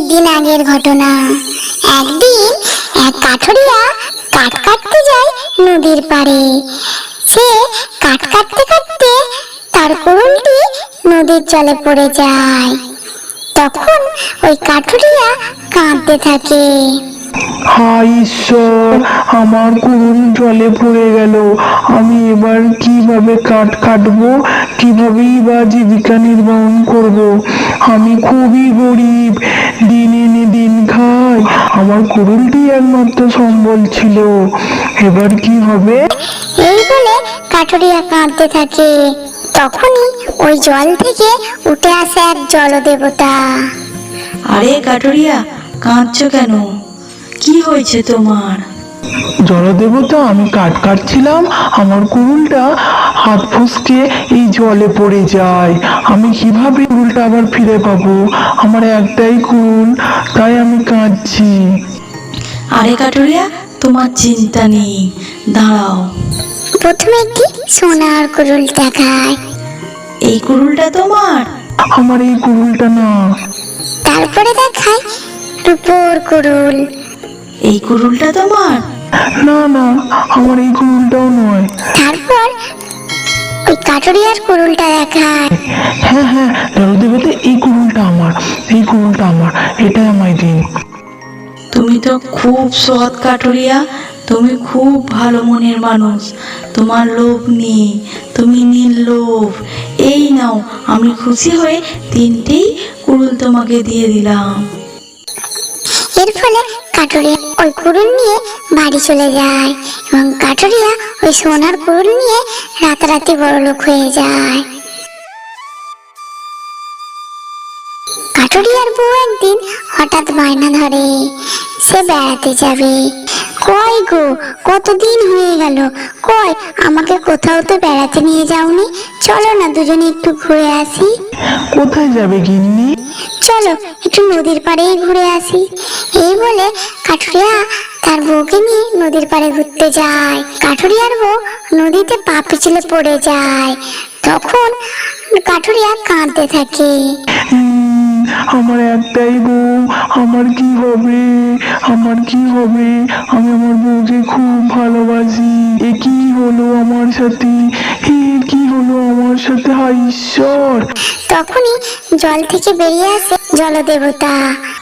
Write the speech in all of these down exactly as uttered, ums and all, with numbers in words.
দিন আগের ঘটনা। একদিন এক কাঠুরিয়া কাঠ কাটতে যায় নদীর পাড়ে। সে কাঠ কাটতে কাটতে তার কুড়ুলটি নদীর জলে পড়ে যায়। তখন ওই কাঠুরিয়া কাঁদতে থাকে। হায় ঈশ্বর, আমার কুড়ুল জলে পড়ে গেল। আমি এবার কিভাবে কাঠ কাটবো, কিভাবেই বা জীবিকা নির্বাহ করব। আমি খুবই গরিব, দিন এনে দিন খাই। আমার কুড়ুলটি একমাত্র সম্বল ছিল, এবার কি হবে? এই বলে কাঠুরিয়া কাঁদতে থাকে। তখনই ওই জল থেকে উঠে আসে এক জলদেবতা। আরে কাঠুরিয়া, কাঁদছো কেন? কি হয়েছে তোমার? জলদেবতা, আমি কাঠ কাটছিলাম, আমার কুড়ুলটা হাত ফসকে এই জলে পড়ে যায়। আমি কিভাবে কুড়ুলটা আবার ফিরে পাবো? আমার একটাই কুড়ুল, তাই আমি কাঁদছি। আরে কাঠুরিয়া, তোমার চিন্তা নেই, দাঁড়াও। প্রথমে একটি সোনার কুড়ুল দেখায়। এই কুড়ুলটা তোমার? আমার এই কুড়ুলটা না। তারপরে দেখায় রূপোর কুড়ুল। এই কুড়ুলটা তোমার? না না, আমার এই কুড়ুলটাও নয়। তারপর ওই কাঠুরিয়ার কুড়ুলটা দেখায়। হ্যাঁ হ্যাঁ, জলদেবতা, এই কুড়ুলটা আমার, এই কুড়ুলটা আমার, এটাই আমায় দিন। তুমি তো খুব সৎ কাঠুরিয়া, তুমি খুব ভালো মনের মানুষ। তোমার লোভ নেই, তুমি নির্লোভ। এই নাও, আমি খুশি হয়ে তিনটেই কুড়ুল তোমাকে দিয়ে দিলাম। এর ফলে কাঠুরিয়া ওই কুড়ুল নিয়ে বাড়ি চলে যায় এবং কাঠুরিয়া ওই সোনার কুড়ুল নিয়ে রাতারাতি বড়লোক হয়ে যায়। কাঠুরিয়ার বউ একদিন হঠাৎ বায়না ধরে সে বেড়াতে যাবে। কই গো, কতদিন হয়ে গেল, কই আমাকে কোথাও তো বেড়াতে নিয়ে যাওনি? চলো না দুজনে একটু ঘুরে আসি। কোথায় যাবে গিন্নি? চলো একটু নদীর পাড়েই ঘুরে আসি। এই বলে কাঠুরিয়া তার বউকে নিয়ে নদীর পাড়ে ঘুরতে যায়। কাঠুরিয়ার বউ নদীতে পা পিছলে পড়ে যায়। তখন কাঠুরিয়া কাঁদতে থাকে। উম, আমার একটাই বউ, আমার কি হবে, আমার কি হবে? আমি আমার বউকে খুব ভালোবাসি। এ কি হলো আমার সাথে, এ কি হলো আমার সাথে? হায় ঈশ্বর! তখনই জল থেকে বেরিয়ে আসে জলদেবতা।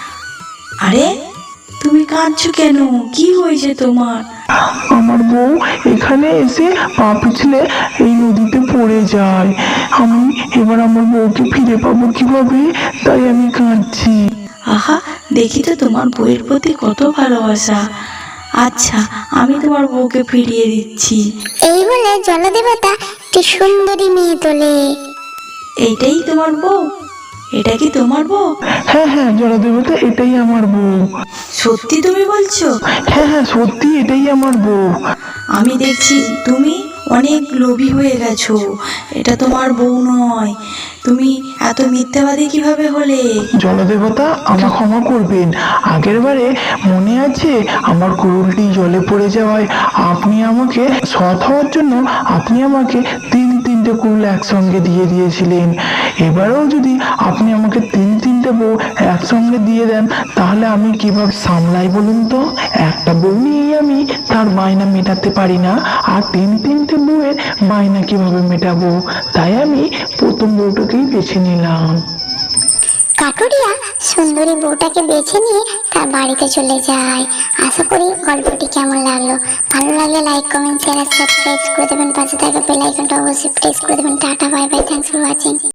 আরে তুমি কাঁদছো কেন? কি হয়েছে তোমার? আমার বউ এখানে এসে পা পিছলে এই নদীতে পড়ে যায়। আমি এবার আমার বউকে ফিরে পাবো কিভাবে? তাই আমি কাঁদছি। আহা, দেখি তো তোমার বউয়ের প্রতি কত ভালোবাসা। আচ্ছা, আমি তোমার বউকে ফিরিয়ে দিচ্ছি। এই বলে জলদেবতা একটি সুন্দরী মেয়ে তোলে। এইটাই তোমার বউ? এটা কি তোমার বউ? হ্যাঁ হ্যাঁ জলদেবতা, এটাই আমার বউ। সত্যি তুমি বলছো? হ্যাঁ হ্যাঁ, সত্যি এটাই আমার বউ। আমি দেখছি তুমি অনেক লোভী হয়ে গেছো। এটা তোমার বউ নয়। তুমি এত মিথ্যাবাদী কিভাবে হলে? জলদেবতা, আমাকে ক্ষমা করবেন। আগের বারে মনে আছে আমার কুড়ুলটি জলে পড়ে যাওয়ায় আপনি আমাকে সৎ হওয়ার জন্য আপনি আমাকে তিন তিনটে কুড়ুল একসঙ্গে দিয়ে দিয়েছিলেন। এবারেও যদি আপনি আমাকে তিন তিনটে বউ একসঙ্গে দিয়ে দেন তাহলে আমি কিভাবে সামলাই বলুন তো? একটা বউ নিয়েই আমি তার বায়না মেটাতে পারি না, আর তিন তিনটে বউয়ের বায়না কিভাবে মেটাবো? তাই আমি প্রথম বউটাকেই বেছে নিলাম। কাঠুরিয়া সুন্দরী বউটাকে বেছে নিয়ে তার বাড়িতে চলে যায়। আশা করি গল্পটি কেমন লাগলো। ভালো লাগলে লাইক, কমেন্ট, শেয়ার আর সাবস্ক্রাইব করে দেবেন। পাশে থাকা বেল আইকনটা অবশ্যই প্রেস করে দেবেন। Tata, bye bye, thanks for watching.